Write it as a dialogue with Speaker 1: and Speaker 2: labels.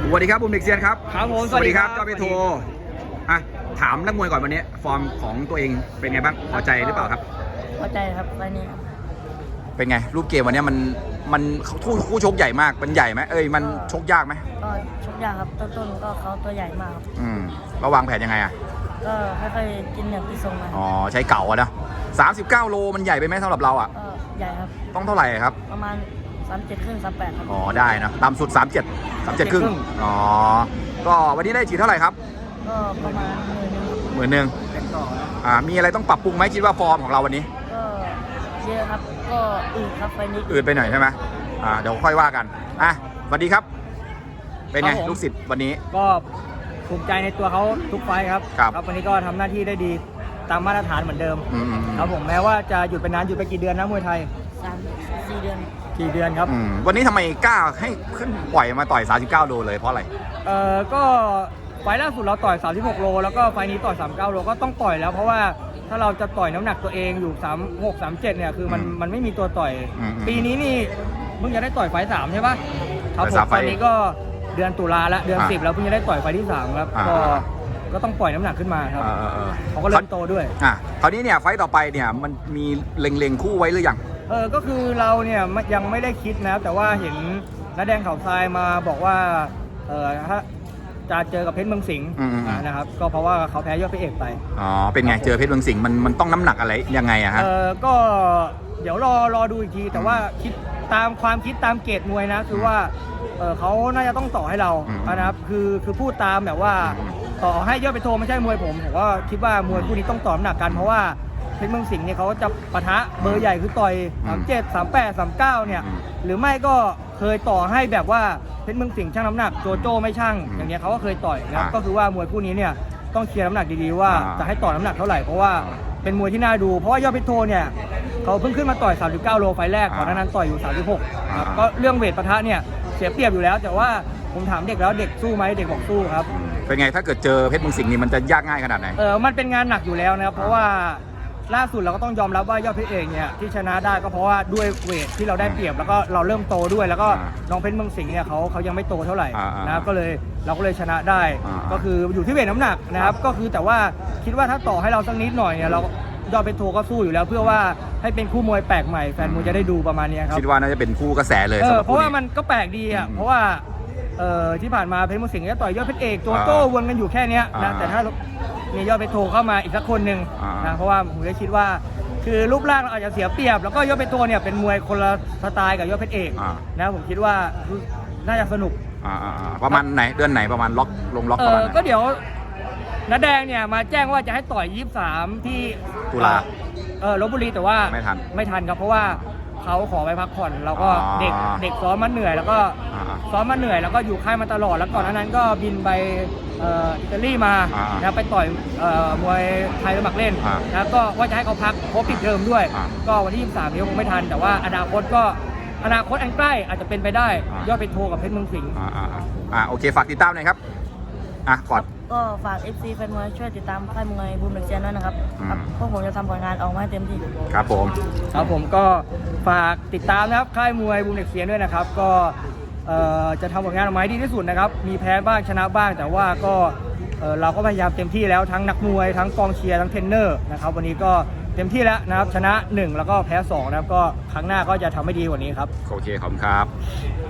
Speaker 1: สวัสดีครับบุมเด็กเซียนครับ
Speaker 2: ครับผม
Speaker 1: สวัสดีครับเจ้าเปโทอ่ะถามนักมวยก่อนวันนี้ฟอร์มของตัวเองเป็นไงบ้างพอใจหรือเปล่าครับ
Speaker 3: พอใจครับไฟนี้ครับ
Speaker 1: เป็นไงรูปเกมวันนี้มันคู่ชกใหญ่มากมันใหญ่ไหมมันชกยากไหม
Speaker 3: ก็ชกยากครับต้นก็เขาตัวใหญ่มากครับ
Speaker 1: ระวางแผนยังไงอ่ะ
Speaker 3: ก็ค่อยๆกินอย่างที่ทรงมา
Speaker 1: ใช้เก่าอะนะ39 โลมันใหญ่ไปไหมสำหรับเราอ่ะ
Speaker 3: ใหญ่ครับ
Speaker 1: ต้องเท่าไหร่ครับ
Speaker 3: ประมาณ37 ครึ่ง 38ครับ
Speaker 1: ได้นะต่ำสุด37ครึ่งก็วันนี้ได้ฉีดเท่าไหร่ครับ
Speaker 3: ก็ประมาณ
Speaker 1: 10,000มีอะไรต้องปรับปรุงไหมคิดว่าฟอร์มของเราวันนี้
Speaker 3: ก็เยอะครับก็อืดครับไฟนี้
Speaker 1: อืดไปหน่อยใช่ไหมเดี๋ยวค่อยว่ากันสวัสดีครับเป็นไงลูกศิษย์วันนี้
Speaker 2: ก็ภูมิใจในตัวเขาทุกไฟครับวันนี้ก็ทำหน้าที่ได้ดีตามมาตรฐานเหมือนเดิมครับผมแม้ว่าจะหยุดไปนานหยุดไปกี่เดือนนะมวยไทย
Speaker 3: 4 เดือน
Speaker 2: กี่เดือนครับ
Speaker 1: วันนี้ทำไมกล้าให้ขึ้นปล่อยมาต่อย39 โลเลยเพราะอะไร
Speaker 2: ก็ไฟล่าสุดเราต่อย36 โลแล้วก็ไฟนี้ต่อย39 โลก็ต้องปล่อยแล้วเพราะว่าถ้าเราจะต่อยน้ำหนักตัวเองอยู่36 37เนี่ยคือมันไม่มีตัวต่อยปีนี้นี่เพิ่งจะได้ต่อยไฟ3ใช่ปะครับผมตอนนี้ก็เดือนตุลาแล้วเดือน10แล้วเพิ่งจะได้ต่อยไฟที่3ครับก็ต้องปล่อยน้ำหนักขึ้นมาครับเขาก็เริ่มโตด้วย
Speaker 1: คราวนี้เนี่ยไฟต่อไปเนี่ยมันมีเล็งคู่ไว้หรือยัง
Speaker 2: ก็คือเราเนี่ยยังไม่ได้คิดนะแต่ว่าเห็นน้าแดงเขาทรายมาบอกว่าถ้าจะเจอกับเพชรเมืองสิงห์นะครับก็เพราะว่าเขาแพ้ยอดพระเอกไป
Speaker 1: เป็นไงเจอเพชรเมืองสิงห์มันต้องน้ำหนักอะไรยังไงอะฮะ
Speaker 2: ก็เดี๋ยวรอดูอีกทีแต่ว่าคิดตามความคิดตามเกรดมวยนะคือว่าเขาน่าจะต้องต่อให้เรานะครับคือพูดตามแบบว่าต่อให้ยอดไปโทไม่ใช่มวยผมก็คิดว่ามวยคู่นี้ต้องต่อน้ำหนักกันเพราะว่าเพชรเมืองสิงห์เนี่ยเขาจะปะทะเบอร์ใหญ่คือต่อย37 38 39เนี่ยหรือไม่ก็เคยต่อให้แบบว่าเพชรเมืองสิงห์ชั่งน้ำหนักโจโจ้ไม่ชั่งอย่างเงี้ยเขาก็เคยต่อยนะก็คือว่ามวยคู่นี้เนี่ยต้องเคลียร์น้ำหนักดีๆว่าจะให้ต่อน้ำหนักเท่าไหร่เพราะว่าเป็นมวยที่น่าดูเพราะว่ายอดเพชรโทเนี่ยเขาเพิ่งขึ้นมาต่อย39 โลไฟแรกก่อนนั้นต่อยอยู่36ครับก็เรื่องเวทปะทะเนี่ยเสียเปรียบอยู่แล้วแต่ว่าผมถามเด็กแล้วเด็กสู้ไหมเด็กบอกสู้ครับ
Speaker 1: เป็นไงถ้าเกิดเจอเพชรเมืองสิงห์นี่มันจะยากง่ายขนาดไหน
Speaker 2: มันเป็นงานหนักอยู่แล้วนะครับเพราะว่าล่าสุดเราก็ต้องยอมรับว่ายอดเพชรเอกเนี่ยที่ชนะได้ก็เพราะว่าด้วยเวทที่เราได้เปรียบแล้วก็เราเริ่มโตด้วยแล้วก็น้องเพชรเมืองสิงห์เนี่ยเขายังไม่โตเท่าไหร่นะครับเราก็เลยชนะได้ก็คืออยู่ที่เวทน้ำหนักนะครับก็คือแต่ว่าคิดว่าถ้าต่อให้เราสักนิดหน่อยเนี่ยเรายอดเพชรโทก็สู้อยู่แล้วเพื่อว่าให้เป็นคู่มวยแปลกใหม่แฟนมวยจะได้ดูประมาณนี้ครับ
Speaker 1: คิดว่าน่าจะเป็นคู่กระแสเลย
Speaker 2: เพราะว่ามันก็แปลกดีอ่ะเพราะว่าที่ผ่านมาเพชรเมืองสิงห์จะต่อยยอดเพชรเอกตัวโต้วนกันอยู่แค่นี้นะแต่ถ้ามียอดเพชรโทเข้ามาอีกสักคนหนึ่งนะเพราะว่าผมเลยคิดว่าคือรูปร่างเราอาจจะเสียเปรียบแล้วก็ยอดเพชรโทเนี่ยเป็นมวยคนละสไตล์กับยอดเพชรเอกนะผมคิดว่าน่าจะสนุก
Speaker 1: ประมาณไหนเดือนไหนประมาณล็อกประมาณ
Speaker 2: ก็เดี๋ยวน้าแดงเนี่ยมาแจ้งว่าจะให้ต่อย23ที่
Speaker 1: ตุลา
Speaker 2: ลพบุรีแต่ว่า
Speaker 1: ไม่
Speaker 2: ทันครับเพราะว่าเขาขอไปพักผ่อนเราก็เด็กซ้อมมาเหนื่อยแล้วก็ซ้อมมาเหนื่อยแล้วก็อยู่ค่ายมาตลอดแล้วก่อนนั้นก็บินไปอิตาลีมาไปต่อยมวยไทยสมัครเล่นแล้วก็ว่าจะให้เขาพักครบปิดเทอมด้วยก็วันที่23นี้คงไม่ทันแต่ว่าอนาคตอันใกล้อาจจะเป็นไปได้ยอดเพชรโทกับเพชรเมืองสิงห์
Speaker 1: โอเคฝากติดตามหน่อยครับก่อน
Speaker 3: ก็ฝาก FC แฟนมวยช่วยติดตามค่ายมวยบูมเด็กเซียนด้วยนะครับพวกผมจะทำผลงานออกมาให้เต็มที่
Speaker 1: ครับ
Speaker 2: ผมก็ฝากติดตามนะครับค่ายมวยบูมเด็กเซียนด้วยนะครับก็จะทำผลงานออกมาให้ดีที่สุดนะครับมีแพ้บ้างชนะบ้างแต่ว่าก็เราก็พยายามเต็มที่แล้วทั้งนักมวยทั้งกองเชียร์ทั้งเทรนเนอร์นะครับวันนี้ก็เต็มที่แล้วนะครับชนะ1แล้วก็แพ้2นะครับก็ครั้งหน้าก็จะทำให้ดีกว่านี้ครับ
Speaker 1: โอเคขอบคุณครับ